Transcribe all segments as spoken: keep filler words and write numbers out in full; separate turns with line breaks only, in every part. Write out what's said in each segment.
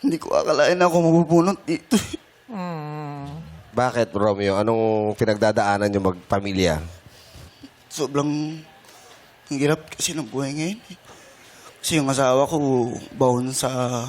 Hindi ko akalain ako mabubunot dito.
Bakit, Romeo? Anong pinagdadaanan nyo magpamilya?
Sobrang hirap kasi ng buhay ngayon. eh. Kasi yung asawa ko, baon sa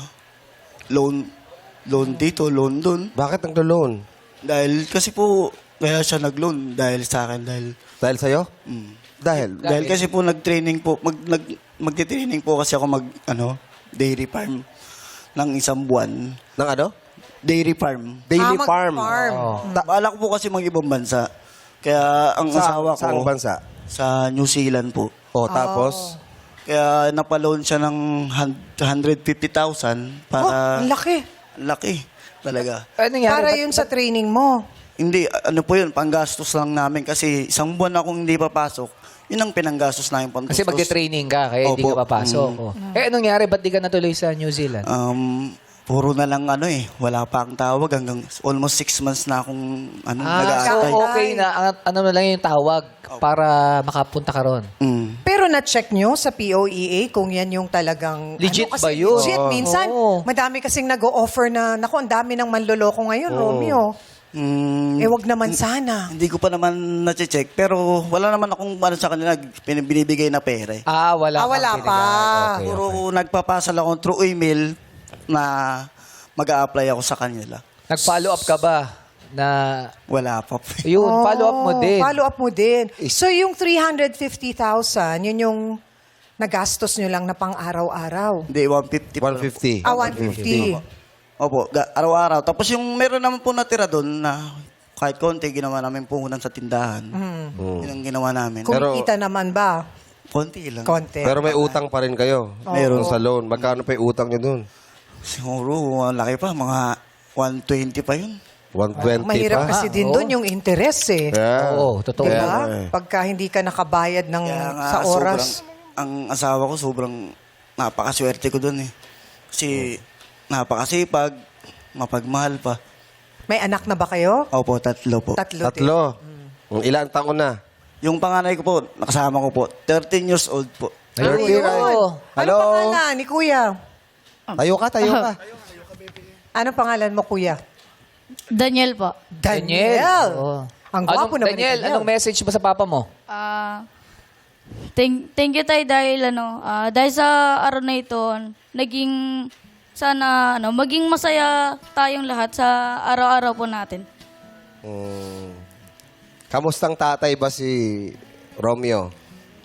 loan, loan dito, loan doon.
Bakit naglo-loan?
Dahil kasi po, kaya siya nag-loan dahil sa akin. Dahil,
Dahil sa'yo?
mm,
Dahil?
dahil kasi po nag-training po, mag, nag, magti-training po kasi ako mag, ano, dairy farm ng isang buwan.
Ng ano?
Dairy farm.
Daily
Ah,
farm.
mag-farm.
Oo.
Bala ko po kasi mag-ibang bansa. Kaya ang
Sa,
asawa ko,
saang bansa?
sa New Zealand po.
O, tapos?
Kaya napaloan siya ng one hundred fifty thousand
Oh,
para...
ang laki.
Laki. Talaga.
Ano nangyari?
Para
Ba't-
yun sa training mo.
Hindi, ano po yun, panggastos lang namin kasi isang buwan akong hindi papasok. Yun ang pinanggastos namin panggastos.
Kasi magte-training ka, kaya hindi
Opo.
ka papasok.
Mm.
Oh. Eh, anong nangyari? Ba't di ka natuloy sa New Zealand?
Um, puro na lang ano eh, wala pa ang tawag hanggang almost six months na akong ano,
ah, so
nag-aantay.
okay na. Ang- Ano na lang yung tawag para makapunta ka ron.
Mm.
Pero na-check nyo sa P O E A kung yan yung talagang...
Legit
ano, kasi
ba yun?
Legit.
Oo.
Minsan,
Oo.
madami kasing nag-o-offer na, naku, ang dami ng manloloko ngayon, Romeo.
Mm,
Eh, wag naman sana.
Hindi ko pa naman na-check, pero wala naman akong ano sa kanila, pin- binibigay na pera eh.
Ah, wala
Ah,
kang
wala
binigay.
pa.
Okay,
Puro
okay.
nagpapasal ako through email na mag-a-apply ako sa kanila.
Nag-follow up ka ba? Na,
Wala pa.
yun,
Oh,
follow up mo din.
Follow up mo din. So, yung three hundred fifty thousand, yun yung nagastos nyo lang na pang araw-araw.
Hindi, one fifty.
one fifty.
Ah, one fifty.
Opo, ga- araw-araw. Tapos yung meron naman po natira doon na kahit konti, ginawa namin puhunan sa tindahan. Yun ang ginawa namin.
Pero-
Kumikita naman ba?
Konti lang.
Konti.
Pero may utang pa rin kayo.
Meron.
Sa loan. Magkano pa yung utang nyo dun?
Siguro, ang laki pa. Mga one twenty pa yun.
one twenty
Mahirap
pa?
kasi din
oo.
doon yung interest eh.
Yeah.
Oo, totoo.
Diba?
Kaya nga eh.
Pagka hindi ka nakabayad ng,
Kaya nga,
sa oras.
sobrang- ang asawa ko, sobrang napakaswerte ko doon eh. Kasi napakasipag, mapagmahal pa.
May anak na ba kayo?
Opo, tatlo po.
Tatlo. din.
Tatlo. Ilan taon na?
Yung panganay ko po, nakasama ko po, thirteen years old po.
Ayun.
thirteen.
Oo.
Hello?
Ano pangalan ni Kuya?
Tayo ka, tayo ka.
Ano pangalan mo, Kuya?
Daniel po.
Daniel.
Oo.
Ang
Anong,
gwapo naman ni
Daniel,
Daniel.
anong message mo sa papa mo?
Ah, thank, thank you tayo dahil ano, ah, dahil sa araw na ito, naging sana ano, maging masaya tayong lahat sa araw-araw po natin.
Hmm. Kamustang tatay ba si Romeo?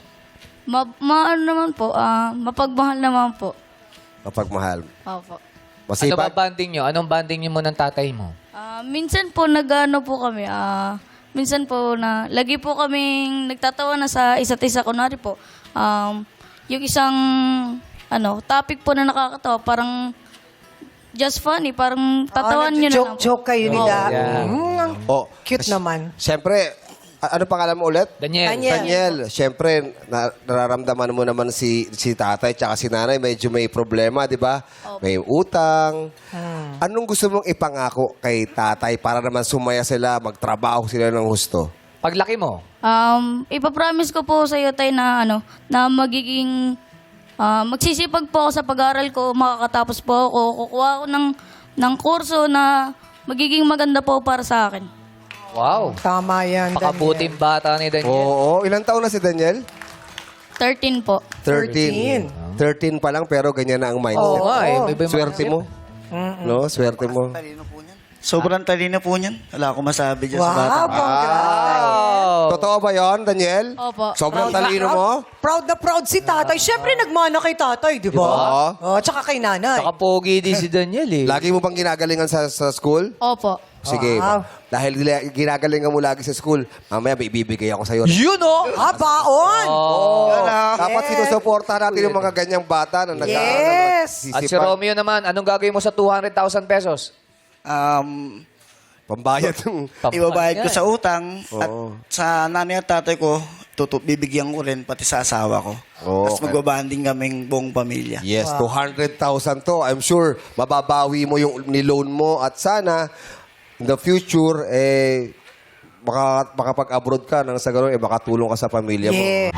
Ma, ma ano naman po, ah, mapagmahal naman po.
Mapagmahal.
Opo.
Ano ba
Masipag?
banding nyo? Anong banding nyo mo ng tatay mo?
Ah, minsan po nag-ano po kami, ah, minsan po na lagi po kaming nagtatawa na sa isa't isa. Kunwari po, um, yung isang ano, topic po na nakakatawa, parang just funny, parang tatawan nyo na lang po.
Joke-joke kayo nila.
yeah.
Mm, ang
Oh,
cute naman.
Siyempre, a- ano pangalan mo ulit?
Daniel.
Daniel.
Daniel, siyempre, na, nararamdaman mo naman si, si tatay tsaka si nanay, medyo may problema, di ba? May utang. Anong gusto mong ipangako kay tatay para naman sumaya sila, magtrabaho sila ng husto?
Paglaki mo,
Um, ipapromise ko po sa iyo tayo na ano, na magiging ah, magsisipag po ako sa pag-aaral ko, makakatapos po ako, kukuha ako ng ng kurso na magiging maganda po para sa akin.
wow.
Tama yan, Daniel.
Pakabuting bata ni Daniel.
Oo, ilang taon na si Daniel?
thirteen po.
thirteen. thirteen pa lang pero ganyan na ang mindset.
Oo nga eh. May iba yung
Swerte mo. No, swerte mo.
Talino po niyan. Sobrang talino po niyan. Wala akong masabi dyan sa bata.
Wow, congrats.
Wow.
Totoo ba yon, Daniel?
Opo.
Sobrang
Proud na
talino
proud-
mo?
Proud na proud si tatay. Siyempre, nagmana kay tatay, di ba?
Diba?
Oh, tsaka kay nanay.
Saka pogi din si Daniel eh.
Lagi mo bang ginagalingan sa, sa school?
Opo.
Sige.
Wow.
Dahil gila- ginagalingan mo lagi sa school, mamaya may ibibigay ako sa'yo.
Yun oh!
Ah, baon!
Oh.
Dapat
Yes.
sinusuporta natin yung mga ganyang bata na nag-aaral.
Yes.
At si Romeo naman, anong gagawin mo sa two hundred thousand pesos?
Um,
Pambayad ng...
ibabayad ko
Yan.
sa utang at
Oo.
sa nanay at tatay ko, tutu bibigyan ko rin pati sa asawa ko.
Oo,
Tapos
okay.
magbabanding kaming buong pamilya.
Yes, two hundred thousand to. I'm sure mababawi mo yung niloan mo at sana in the future, eh, maka, makapag-abroad ka nang sa ganun, eh, makatulong ka sa pamilya mo.
Yeah.